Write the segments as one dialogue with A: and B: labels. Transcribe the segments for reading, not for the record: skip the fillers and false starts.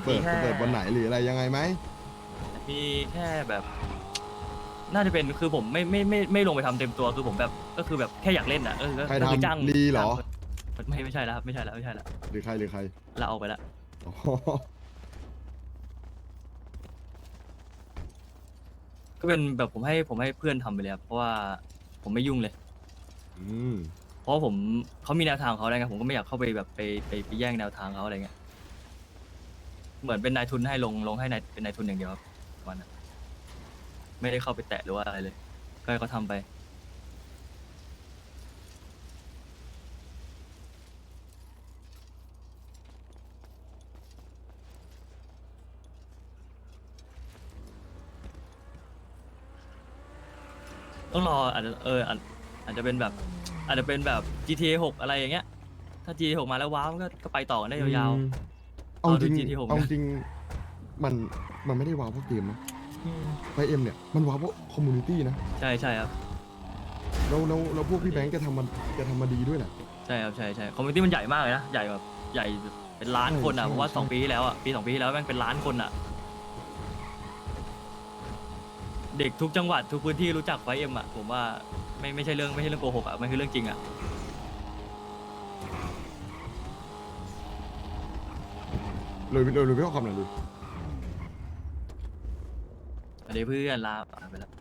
A: จะเปิดวันไหนหรืออะไรยังไงไหม
B: มีแค่แบบ น่าจะเป็นคือผมไม่ลงไปทำเต็มตัวคือผมแบบก็คือแบบแค่อยากเล่นอ่ะ
A: ใคร
B: ก็คือจ้าง
A: ทำลีเหรอ
B: ไม่ใช่แล้วครับไม่ใช่แล้ว
A: หรือใคร
B: ลาออกไปแล้ว
A: อ๋อ
B: ก็เป็นแบบผมให้เพื่อนทำไปเลยครับเพราะว่าผมไม่ยุ่งเลย
A: อืม
B: เพราะผมเขามีแนวทางของเขาอะไรเงี้ยผมก็ไม่อยากเข้าไปแบบไปแย่งแนวทางเขาอะไรเงี้ยเหมือนเป็นนายทุนให้ลงให้นายเป็นนายทุนอย่างเดียวครับวันนั้นไม่ได้เข้าไปแตะหรือว่าอะไรเลยก็ให้เขาทำไปต้องรออาจจะอาจจะเป็นแบบอาจจะเป็นแบบ GTA 6อะไรอย่างเงี้ยถ้า GTA 6มาแล้วว้าวมันก็ไปต่อกันได้ยาวๆ
A: เอาจริง
B: GTA 6
A: เอา
B: นะ
A: จริงมันมันไม่ได้ว้าวเพราะเกมนะไฟเอ็มเนี่ยมันว้าวเพราะคอมมูนิตี้นะ
B: ใช่ครับ
A: แล้วพวกพี่แบงค์แกทำมาดีด้วยแหละ
B: ใช่ครับใช่คอมมูนิตี้มันใหญ่มากเลยนะใหญ่แบบใหญ่เป็นล้านคนอ่ะ
A: ใช่
B: ผมว่า
A: ใช่
B: 2 ปีที่แล้วอ่ะปี 2 ปีที่แล้วแม่งเป็นล้านคนอ่ะ เด็กทุกจังหวัดทุกพื้นที่รู้จักไฟเอ็มอ่ะผมว่าไม่ใช่เรื่องโกหกอ่ะมันคือเรื่องจริงอ่ะ
A: เลยไม่เอาคำไหนเลย
B: อันนี้เพื่อนลาไปแล้ว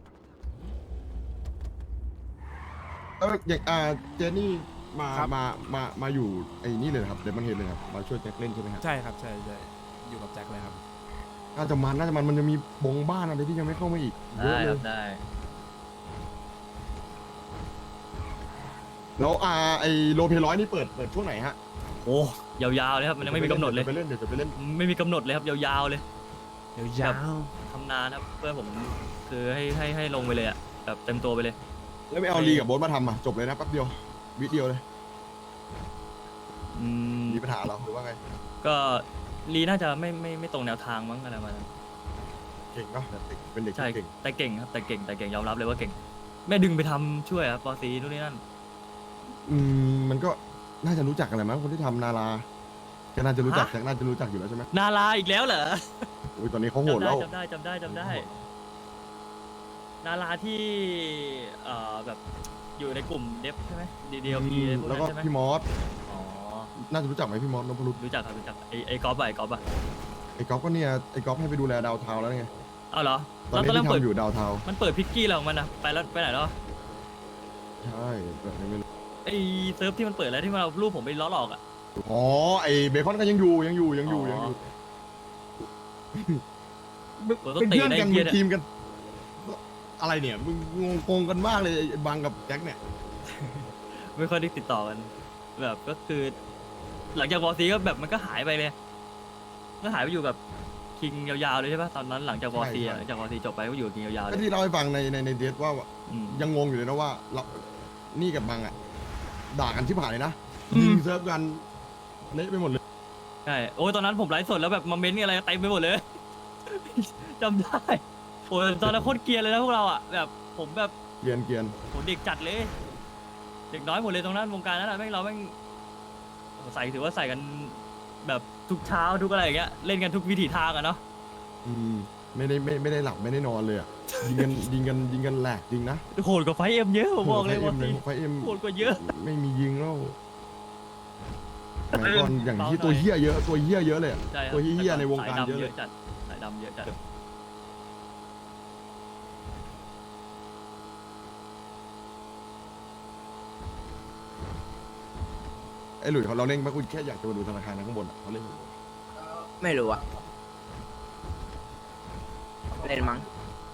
A: อย่างเจนนี่มา
C: ครับ
A: มาอยู่ไอ้นี่เลยเหรอครับเดมอนเฮดเลยครับมาช่วยแจ็คเล่นใช่ไหมครับ
C: ใช่ครับใช่อยู่กับแจ็คเลยครับ
A: น่าจะมันจะมีบงบ้านอะไรที่ยังไม่เข้ามาอีกเย
B: ได้
A: อะเล
B: ครั
A: ย
B: บได้
A: แล้วไอ้โลเพร้อยนี่เปิดช่วงไหนฮะ
B: โอ้ยาวๆเลยครับมันยังไม่มีกำหนดเลย
A: เดี๋ยวจะไปเล่น
B: ไม่มีกำหนดเลยครับยาวๆเลย
C: เดี๋ยวยาว
B: ทำนานครับเพื่อนผมคือให้ลงไปเลยอ่ะแบบเต็มตัวไปเลย
A: แล้วไม่เอาลีกับโบ๊ทมาทำอ่ะจบเลยนะแป๊บเดียววิดีโอเลย
B: อืม
A: มีปัญหาเหรอหรือว่าไง
B: ก็ลีน่าจะไม่ตรงแนวทางมั้งอะไรประมาณนั้น
A: เก่งเนาะเป็นเด็ก
B: ใช่
A: ที่เก่ง
B: แต่เก่งครับแต่เก่งยอมรับเลยว่าเก่งแม่ดึงไปทำช่วยครับปอซีนู่นนี่นั่น
A: มันก็น่าจะรู้จักกันแหละมั้งคนที่ทำนาราก็น่าจะรู้จัก
B: ฮะ
A: แจ็คน่าจะรู้จักอยู่แล้วใช่ไหม
B: นาราอีกแล้วเหรอ
A: อุ้ยตอนนี้เขาโหดแล้ว
B: จำได้นาราที่แบบอยู่ในกลุ่มเดฟใช่ไหมดีโอพีพวก
A: แล้ว
B: นั้
A: ก็
B: นใช่ไหม
A: พี่มอส
B: อ๋อ
A: น่าจะรู้จักไหมพี่มอสนพรุษ
B: รู้จักครับรู้จักไอ้กอล์ฟอะไอ้กอล์ฟอะ
A: ไอ้ก๊อฟก็เนี่ยไอ้ก๊อฟให้ไปดูแลดาวเทาแล้วไง
B: เอาเหรอ
A: ตอน
B: แล้ว
A: นี้
B: ตอนแรก
A: ที่
B: เปิด
A: ทำอยู่ดาวเทา
B: มันเปิดพิกกี้แล้วของมันอะไปแล้วไปไหนแล้ว
A: ใช่แบบนี้ไม่รู้
B: ไอ้เซิร์ฟที่มันเปิดแล้วที่มันเอารูปผมไปล้อหลอกอะ
A: อ๋อไอ้เบคอนก็ยังอยู่
B: ต้
A: เป็น
B: ตี
A: เพื่อน
B: ได้
A: กัน
B: เกี
A: เป็
B: ย
A: น
B: ร์
A: ทีมกัน อะไรเนี่ยมึงงงกันมากเลยไอ้บังกับแจ็คเนี่ย
B: ไม่ค่อยได้ติดต่อกันแบบก็คือ หลังจากวอซีก็แบบมันก็หายไปเลยก็หายไปอยู่กับคิงยาวๆเลยใช่ปะตอนนั้นหลังจากวอซีหลังจากวอซีจบไปก็อยู่กับคิงยาวๆเล
A: ก็
B: ย
A: ที่เล่าให้ฟังในเดทว่า
B: อืม
A: ยังงงอยู่เลยนะว่าเรานี่กับบังอ่ะด่ากันชิบหายเลยนะ
B: อืม
A: ยิงเซิร์ฟกันเละไปหมดเลย
B: ใช่โอ้ยตอนนั้นผมไลฟ์สดแล้วแบบมาเม้นต์อะไรเต็มไปหมดเลย จำได้โอ้ยตอนนั้นโคตรเกรียนเลยนะพวกเราอ่ะแบบผมแบบ
A: เกรียน
B: โหเด็กจัดเลย เด็กน้อยหมดเลยตรงนั้นวงการนั้นอะแม่งเราแม่งใส่ถือว่าใส่กันแบบทุกเช้าทุกอะไรอย่างเงี้ยเล่นกันทุกวิถีทางอะเนาะ
A: ไม่ได้หลับไม่ได้นอนเลยอ่ะยิงกันแหลกจริงนะ
B: โหดกว่าไฟเอ็มเยอะผมบอกเลย
A: ไฟ
B: ว่า
A: เอ็มไฟเอ็ม
B: โหดกว่าเยอะ
A: ไม่มียิงแล้วสมัยก่อนอย่างที่ตัวเหี้ยเยอะเลยอะ
B: ใช่ครับ
A: ตัวเหี้ยในวงการ
B: สายดำ
A: เยอะเลย
B: จัดสายดำเยอะจัด
A: ไอ้หลุยเขาเราเล่นมาคุยแค่อยากจะมาดูธนาคารนะข้างบนอะเขาเล่นอยู่
D: ไม่รู้อะเล่นมั้ง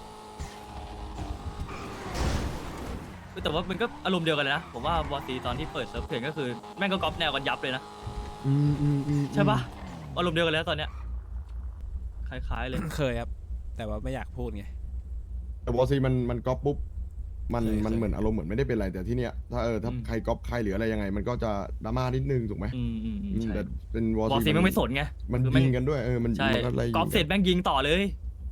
B: แต่ว่ามันก็อารมณ์เดียวกันเลยนะผมว่าวอซีตอนที่เปิดเซิร์ฟเถื่อนก็คือแม่งก็ก๊อปแนวกันยับเลยนะ ใช่ปะอารมณ์เดียวกันแล้วตอนเนี้ยคล้ายๆเลย
C: เคยครับ แต่ว่าไม่อยากพูดไง
A: แต่วอซีมันก๊อปปุ๊บมัน
C: เคย
A: มันเหมือนอารมณ์เหมือนไม่ได้เป็นอะไรแต่ที่เนี้ยถ้าถ้าใครก๊อปใครหรืออะไรยังไง มันก็จะดราม่านิดนึงถูกไหม
B: ใช่
A: แต่เป็นวอ
B: วอซี
A: ซี
B: แม่งไม่สนไง
A: มัน
B: คือแม่
A: ยิงกันด้วยมัน
B: ใช่
A: มันอะไร
B: ก๊อปเสร็จแม่งยิงต่อเลย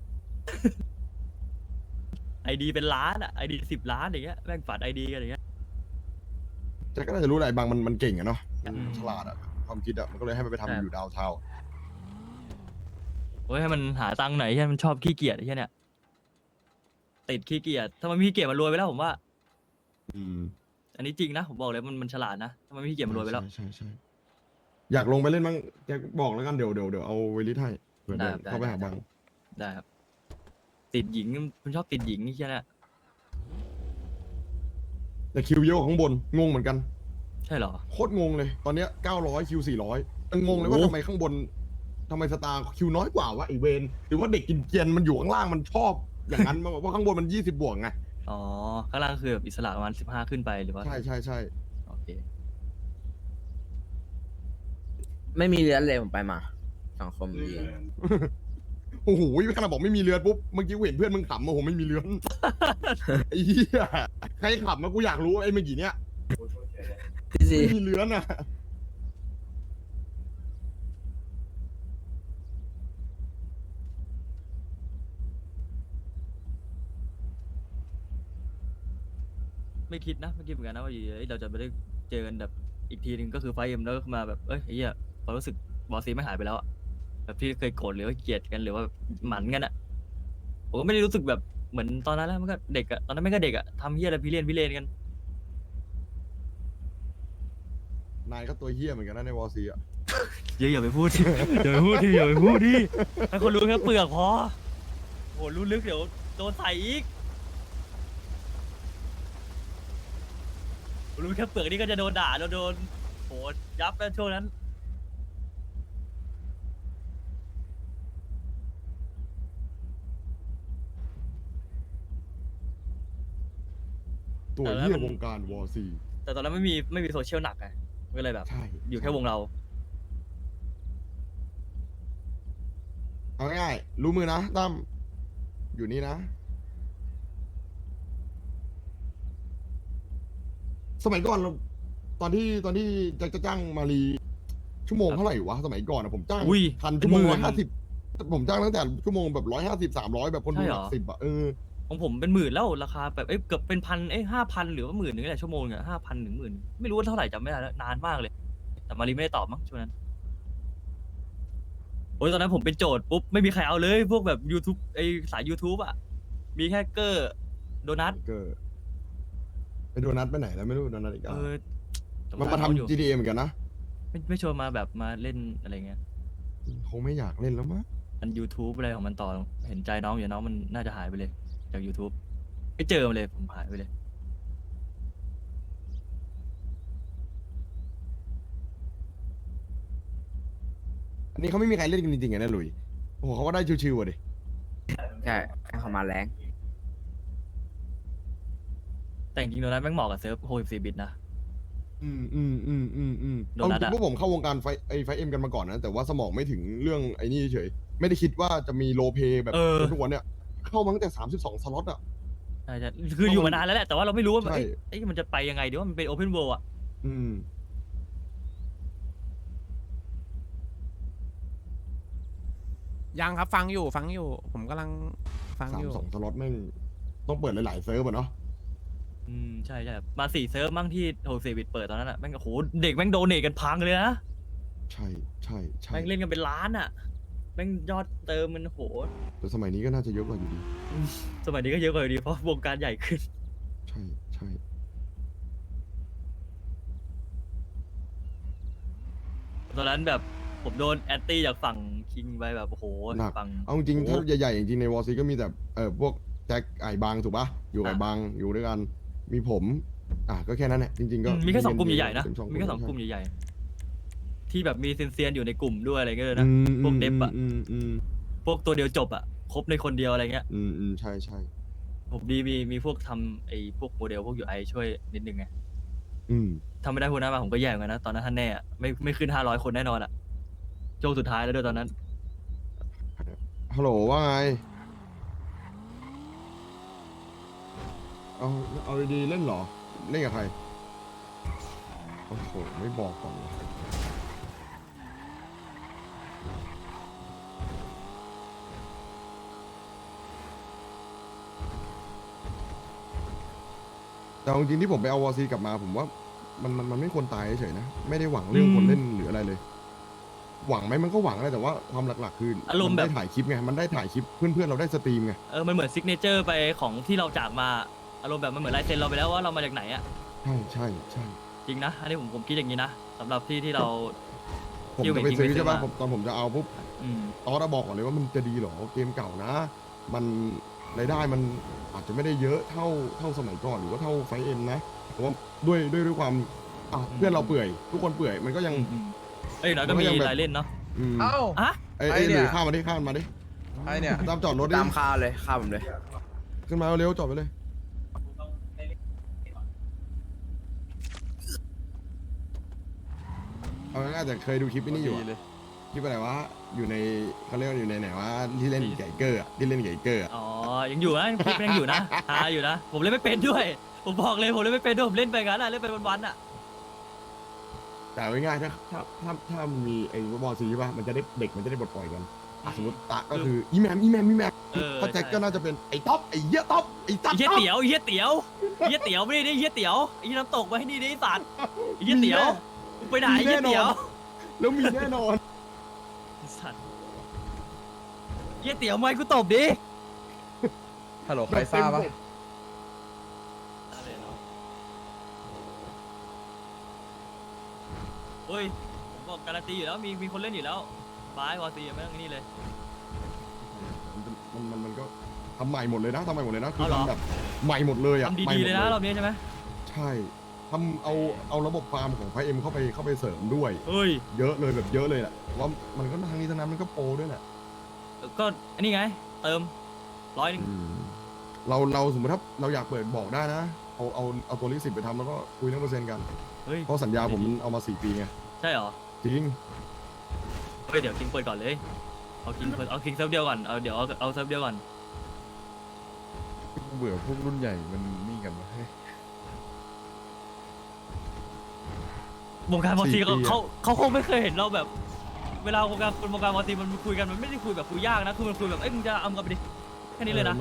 B: ไอดีเป็นล้านอะไอดี10 ล้านอย่างเงี้ยแม่งฝัดไอดีกันอย่างเงี้ย
A: แจ็คก็น่าจะรู้อะไรบางมันเก่งอะเนาะมัน
B: อืม
A: ฉลาดอะความคิดอะมันก็เลยให้มันไป
B: ใช่
A: ทำอยู่ดาวเทา
B: โอ้ยให้มันหาตังค์ไหนที่มันชอบขี้เกียจไอ้เหี้ยเนี่ยติดขี้เกียจถ้ามันไม่ขี้เกียจมันรวยไปแล้วผมว่า
A: อืม
B: อันนี้จริงนะผมบอกเลยมันฉลาดนะถ้ามันไม่ขี้เกียจมันรวยไปแล้ว
A: ใช่อยากลงไปเล่นบ้างแกบอกแล้วกันเดี๋ยวเอาเวลิทให้เผื่อ
B: ได้
A: เดิน
B: ได้
A: เข้าไป
B: ได้
A: หาบัง
B: ได้ครับ ติดหญิงมันชอบติดหญิงนี่ใช่ไหม
A: แต่คิวเยอะกว่าข้างบนงงเหมือนกัน
B: ใช่เหรอ
A: โคตรงงเลย ตอนเนี้ย900คิว400งงเลยว่า
B: โอ้
A: ทำไมข้างบนทำไมสตาร์คิวน้อยกว่าวะไอเวนหรือว่าเด็กกินเกียนมันอยู่ข้างล่างมันชอบอย่างนั้น มาบอกว่าข้างบนมัน20บวกไง
B: อ๋อข้างล่างคือแบบอิสระประมาณ15ขึ้นไปหรือว่า
A: ใช่
B: โอเค
D: ไม่มีเรือนเลยผมไปมาสังคมดี
A: โอ้โหขนาดบอกไม่มีเรือนปุ๊บเมื่อกี้กูเห็นเพื่อนมึงขำโอ้โหไม่มีเรือน ไอ้เหี้ยใครขำมากูอยากรู้ไอ้เมื่อกี้เนี้ย
D: พี่ซี
A: ไม่มีเรือนอ่ะ
B: ไม่คิดนะไม่คิดเหมือนกันนะว่าอยู่เราจะไม่ได้เจอกันแบบอีกทีหนึ่งก็คือไฟเอ็มแล้วก็มาแบบเอ้ยไอ้เหี้ยความรู้สึกบอสซีไม่หายไปแล้วอะแบบที่เคยโกรธหรือว่าเกลียดกันหรือว่าหมันกันอะผมก็ไม่ได้รู้สึกแบบเหมือนตอนนั้นแล้วมันก็เด็กอะตอนนั้นไม่ก็เด็กอะทำเหี้ยอะไรพี่เล่นกัน
A: นายก็ตัวเหี้ยเหมือนกันนะในวอซีอ่ะ
B: อย่าไปพูดดิ อย่าไปพูดดิอย่าไปพูดดิให้คนรู้แค่เปลือกพอโหรู้ลึกเดี๋ยวโดนใส่อีกรู้แค่เปลือกนี่ก็จะโดนด่าโดนโหยับแล้วช่วงนั้น
A: ตัวเหี้ยวงการวอซี
B: แต่ตอนนั้นไม่มีโซเชียลหนักไงก็เลยแบบ
A: ใช่
B: อยู่แค่วงเรา
A: เอาง่ายๆรู้มือนะตั้มอยู่นี่นะ สมัยก่อนเราตอนที่จะจ้างมารีชั่วโมง
B: ครับ
A: เท่าไหร่วะสมัยก่อนอะผมจ้าง
B: อุ้ย
A: พันชั่วโมง
B: เป็นหมื่น
A: 150ผมจ้างตั้งแต่ชั่วโมงแบบ150 300แบบคนดู
B: ใช่
A: ห
B: เหร
A: ลั
B: อ
A: ก10อะ
B: ของผมเป็น10,000แล้วราคาแบบเกือบเป็น1,0005,000หรือว่า10,000นึงแหละชั่วโมงเนี่ย5,000ถึง10,000ไม่รู้ว่าเท่าไหร่จำไม่ได้แล้วนานมากเลย แต่มารีไม่ได้ตอบมั้งช่วงนั้นโอ้ยตอนนั้นผมเป็นโจทย์ปุ๊บไม่มีใครเอาเลยพวกแบบ YouTube สาย YouTube อ่ะมีแค่เกอร์โดนัท
A: ก็ไปโดนัทไปไหนแล้วไม่รู้โดนัทอีก
B: เอ
A: อ่ะ
B: อ
A: มันมา
B: สงสรเขอยู่
A: ทำ GTA เหมือนกันนะ
B: ไม่ชวนมาแบบมาเล่นอะไรเงี้ย
A: คงไม่อยากเล่นแล้วมั้ง
B: มัน YouTube อะไรของมันต่อเห็นใจน้องอยู่น้องมันน่าจะหายไปเลยจาก YouTube ไม่เจอมันเลยผมหายไปเลย
A: อันนี้เขาไม่มีใครเล่นกันจริงๆไงนะหลุยโอ้โหเขาก็ได้ชิวๆอ่ะดิ
D: ใช่ให้เขามาแรง
B: แต่จริงๆโดนัทแม่งเหมาะกับเซิร์ฟ64บิตนะ โด
A: เอา
B: นัท
A: จริ
B: อะ
A: งๆพวกผมเข้าวงการไฟเอ็มกันมาก่อนนะ แต่ว่าสมองไม่ถึงเรื่องไอ้นี่เฉยไม่ได้คิดว่าจะมีโลเปแบบ ทุกวันเนี่ยเข้ามาตั้งแต่32สล็อตอ่ะ
B: ใช่คืออยู่มานานแล้วแหละแต่ว่าเราไม่รู้ว่า
A: ใช่
B: มันจะไปยังไงดีว่ามันเป็น Open World อ่ะ
A: อืม
C: ยังครับฟังอยู่ผมกำลังฟังอยู่
A: 32สล็อตแม่งต้องเปิดหลายๆเซิร์ฟอ่ะเนาะ
B: ใช่มา4เซิร์ฟมั่งที่64บิตเปิดตอนนั้นอ่ะแม่งโอ้โหเด็กแม่งโดเนทกันพังเลยนะ
A: ใช่
B: แม่งเล่นกันเป็นล้านอ่ะแม่งยอดเติมมันโห
A: แต่สมัยนี้ก็น่าจะเยอะกว่าอยู่ดี
B: สมัยนี้ก็เยอะกว่าอยู่ดีเพราะวงการใหญ่ขึ้น
A: ใช่
B: ตอนนั้นแบบผมโดนแอนตี้จากฝั่งคิงไปแบบโอ้โห
A: หนัก
B: ฝั่ง
A: เอาจริงๆ
B: โอ้
A: ถ้าใหญ่ๆจริงๆในวอซีก็มีแต่พวกแจ็คไอ้บางถูกปะอยู่กับ
B: อ่ะ
A: บางอยู่ด้วยกันมีผมก็แค่นั้นแหละจริงๆก็
B: มีแค่2กลุ่มใหญ่ๆนะ
A: เป็สอง
B: มีแค่2กลุ่มใหญ่ๆที่แบบมีเซียนๆอยู่ในกลุ่มด้วยอะไรเงี้ยเลย
A: อื
B: นะ
A: ม
B: พวกเดฟอะ
A: อืม
B: พวกตัวเดียวจบอะครบในคนเดียวอะไรเงี้ย
A: ใช่
B: ผมดีมีพวกทำพวกโมเดลพวก UI ช่วยนิดนึงไง
A: อืม
B: ทำไม่ได้พวกนั้นมาผมก็แย่เหมือนกันนะตอนนั้นท่านแน่อะไม่ขึ้น500คนแน่นอนอะช่วงสุดท้ายแล้วด้วยตอนนั้น
A: ฮัลโหลว่าไงเอาดีๆเล่นเหรอเล่นกับใครโอ้โหไม่บอกก่อนวะแต่เอาจริงๆที่ผมไปเอาวอซีกลับมาผมว่ามันไม่ควรตายเฉยๆนะไม่ได้หวังเรื่องคนเล่นหรืออะไรเลยหวังไหมมันก็หวังแหละแต่ว่าความหลักๆคือ
B: อารมณ์
A: น
B: แบบ
A: ได้ถ่ายคลิปไงมันได้ถ่ายคลิปเพื่อนๆเราได้สตรีมไง
B: มันเหมือนซิกเนเจอร์ไปของที่เราจากมาอารมณ์แบบมันเหมือนลายเซ็นเราไปแล้วว่าเรามาจากไหนอะ
A: ใช่ใช่
B: จริงนะอันนี้ผมคิดอย่างนี้นะสำหรับที่เรา
A: ผม
B: ที่
A: จะไป
B: จริงๆ
A: ซื้อ
B: ไปซื้อ
A: ใช่ป่ะ
B: มา
A: ตอนผมจะเอาปุ๊บ
B: อืม
A: ตอนเราบอกก่อนเลยว่ามันจะดีเหรอเกมเก่านะ มันรายได้มันอาจจะไม่ได้เยอะเท่าสมัยก่อนหรือว่าเท่าไฟเอ็มนะแต่ว่าด้วยความเพื่อนเราเปื่อย ทุกคนเปื่อยมันก็ยัง
B: เอ้ยแล้วก็มี
A: มันก็ยังแบบ
B: รายเล่นเนาะ
A: อืม
E: เอ้า
B: อะ
A: ไอ้
E: ไอ้
A: ห
E: เนี่
A: รื
E: ย
A: อข้ามมาดิข้ามมาดิ
E: ไอเนี่ย
A: ตามจอดรถดิ
D: ตามคาเลยคาผมเลย
A: ขึ้นมาเร็วจอดไปเลยเอาง่ายๆแต่เคยดูคลิปนี้อยู่อะคลิปอะไรวะอยู่ในเขาเรียกว่าอยู่ในไหนวะที่เล่นไก่เกอร์อะที่เล่นไก่เกอร์อะ
B: อ๋อยังอยู่นะคลิปยังอยู่นะหาอยู่นะผมเล่นไม่เป็นด้วย ผมบอกเลยผมเล่นไม่เป็นด้วยผมเล่นไปงั้นอะเล่นไปวันๆอะ
A: แต่เอาง่ายๆถ้ามีไอ้บอลซีป่ะมันจะได้เด็กมันจะได้ปลดปล่อยกันสมมติตะก็คืออีแมมถ้าแจ็คก็น่าจะเป็นไอ้ท็อปไอ้เหี้ยท็อปไอ้ตั๊
B: ไอ้เหี้ยเตี๋ยวไอ้เหี้ยเตี๋ยวไอ้เหี้ยเตี๋ยวไม่ได้ดิไอ้เหี้ยเตี๋ยวไอ้เหี้ยน้ำตกมาให้นี่ดิไอ้สัตว์ไอ้เหี้ยเตี๋ยวมึงไปไหนไอ้เหี้ยเตี๋ยว
A: แล้วมีแน่นอน
B: ไอ้สัตว์เหี้ยเตี๋ยวไม่กูตบดิ
E: ฮัลโหลใครทราบปะ
B: เฮ้ยผมบอกการันตีอยู่แล้วมีคนเล่นอยู่แล้วบายวอซีไม่ต้องนี่เลย
A: มันก็ทำใหม่หมดเลยนะทำใหม่หมดเลยนะคือ
B: เอาเหรอ
A: ทำแบบใหม่หมดเลยอ่ะ
B: ทำ
A: ใหม่
B: ดี
A: ห
B: ๆ
A: ม
B: เลยนะรอบนี้ใช่ไหม
A: ใช่ทำเอาระบบฟาร์มของไฟเอ็มเข้าไปเสริมด้วย
B: เฮ้ย
A: เยอะเลยแบบเยอะเลยแหละว่ามันก็ทางนี้ทางนั้นมันก็โปรด้วยแหละ
B: ก็อันนี้ไง เติม100
A: เราสมมติถ้าเราอยากเปิดบอกได้นะเอาตัวลิขสิทธิ์ไปทำแล้วก็คุยเรื่องเปอร์เซ็นต์กัน
B: เฮ้ย
A: เพราะสัญญาผมเอามา4 ปีไง
B: ใช่เหรอ
A: จริง
B: เฮ้ยเดี๋ยวคิงเปิดก่อนเลยเอาคิงเซิร์ฟเดียวก่อนเอาเดี๋ยวเอาเซิร์ฟเดียวก่อน
E: เบื่อพวกรุ่นใหญ่มันนี่กันวะเฮ้ยว
B: งการมอซี
A: 4 ปีอะ
B: เขาคงไม่เคยเห็นเราแบบ เวลาวงการมอซีมันคุยกันมันไม่ได้คุยแบบคุยยากนะคือมันคุยแบบเอ้ยมึงจะเอากันไปดิแค่นี้เลยนะ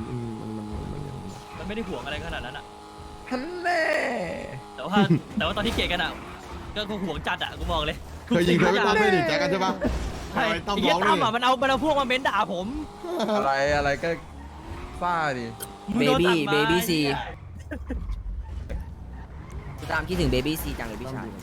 B: มันไม่ได้ห่วงอะไรขนาดนั้นอะ
E: ฮันแน่
B: แต่ว่าตอนที่เกลียดกันอะก็ห่วงจัดอะกูบอกเลย
A: เคยยิงเคยไปตั้มไม่ดิแจ็คกันใช่ปะ
B: ใช่
A: ไอ้ตั้ม
B: ไอ้เหี้
A: ร้
B: ย
A: อง
B: ตั้ม
A: เล
B: อะ
A: ย
B: มันเอาพวกมาเม้นด่าผม
E: อะไรก็ซ่าดิ
B: มึงโดนตัดไม้
D: เบบี้ซีตามคิดถึงเบบี้ซีจังเลยพี่ชาย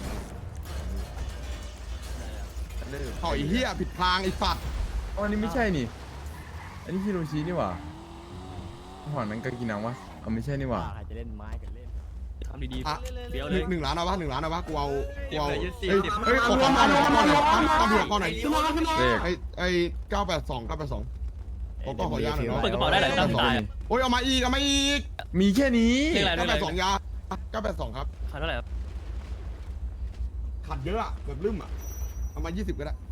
A: เอาไอ้เหี้ยผิดทางไอ้สัตว์
E: อ๋ออันนี้ไม่ใช่นี่ อันนี้ฮิโรชินี่หว่าหอนั้นก็กินน้ำวะเอาไม่ใช่นี่หว่า
B: ทำดี
A: อ่ะ
B: ๆเดี๋ยวเลย
A: 1 ล้านเอาปะ1 ล้านเอาปะกูเอา
B: เดี๋ยวเลย20
A: เฮ้ยขอข้อหน่อยข้อหน่อยข้อเดียวข้อหน่อย
E: เลข
A: ไอ้982ขออนุญาตหน่อยเนาะ
B: เปิดกระเป๋าได้หลายตั้มตายอะ
A: โอ้ยเอามาอีก
E: มีแค่นี้
B: เรียกอะไรด้วย
A: 982ยา982ครับ
B: ขาดเท่าไหร่ครับ
A: ขัดเยอะอะแบบลืมอะเอามา20ก็ได้